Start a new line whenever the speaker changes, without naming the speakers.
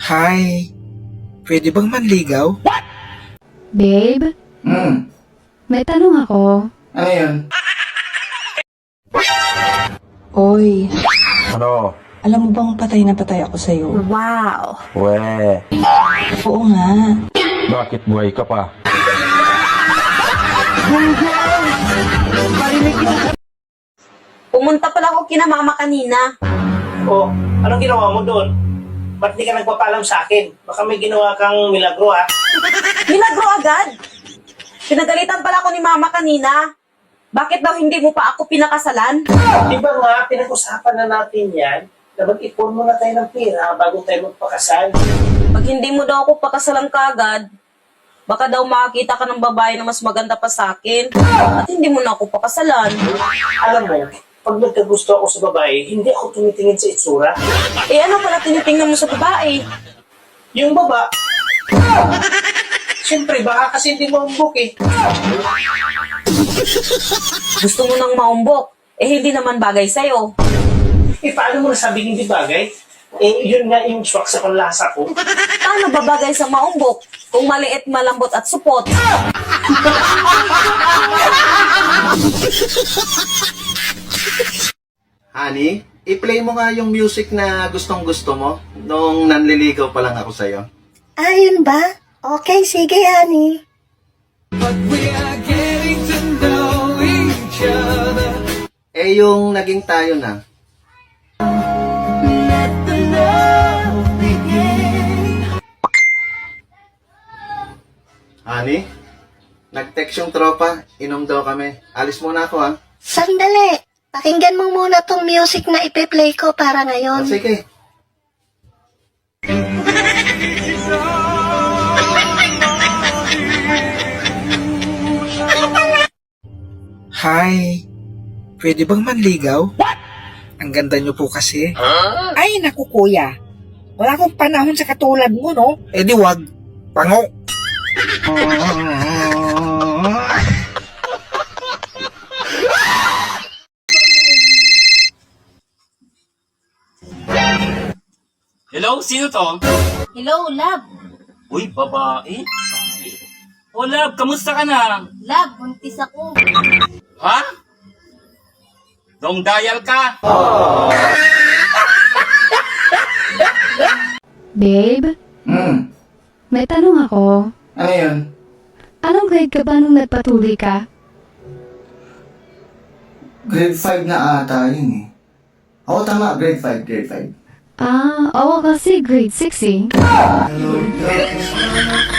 Hi, pwede bang manligaw?
Babe, may tanong ako.
Ano yun?
Oy,
Ano?
alam mo bang patay na patay ako sa'yo?
Wow!
We,
Oo nga.
bakit buhay ka pa?
Pumunta pala ako kina mama kanina.
O, anong ginawa mo doon? Ba't di ka nagpapaalam sa akin? Baka may ginawa kang milagro, ha?
Milagro agad. Pinagalitan pala ako ni mama kanina. Bakit daw hindi mo pa ako pinakasalan?
Di ba nga, pinag-usapan na natin yan na mag-ipon muna tayo ng pera bago tayo magpakasal.
Pag hindi mo daw ako pakasalan kagad, baka daw makakita ka ng babae na mas maganda pa sa akin. At hindi mo na ako pakasalan.
Alam mo, pag nagkagusto ako sa babae, hindi ako tumitingin sa itsura.
Eh ano pala tinitingnan mo sa babae?
Yung baba, siyempre, baka kasi hindi mo umbok eh.
Gusto mo nang maumbok. Eh hindi naman bagay sa'yo.
Eh, paano mo nasabing hindi bagay? Eh, yun nga yung swak sa panlasa ko.
Paano ba bagay sa maumbok kung maliit, malambot at supot?
Honey, i-play mo nga yung music na gustong gusto mo nung nanliligaw pa lang ako sa'yo.
Ayun ba? Okay, sige, honey.
Eh yung naging tayo na. Honey, nag-text yung tropa, inom daw kami. Alis muna ako ha.
Sandali. Pakinggan mo muna tong music na ipe-play ko para ngayon.
Sige.
Hi, pwede bang manligaw? Ang ganda niyo po kasi.
Ay, naku kuya. Wala akong panahon sa katulad mo, no?
Eh di wag, pango.
Hello? Sino to?
Hello, love.
Uy, babae. O, love, kamusta ka na?
Love, buntis ako.
Ha? Dong dial ka?
Babe, may tanong ako.
Ano yun?
Anong grade ka ba nung nagpatuloy ka?
Grade 5 na ata yun eh. Oo, tama. Grade 5, grade 5.
Oo kasi grade 6 eh.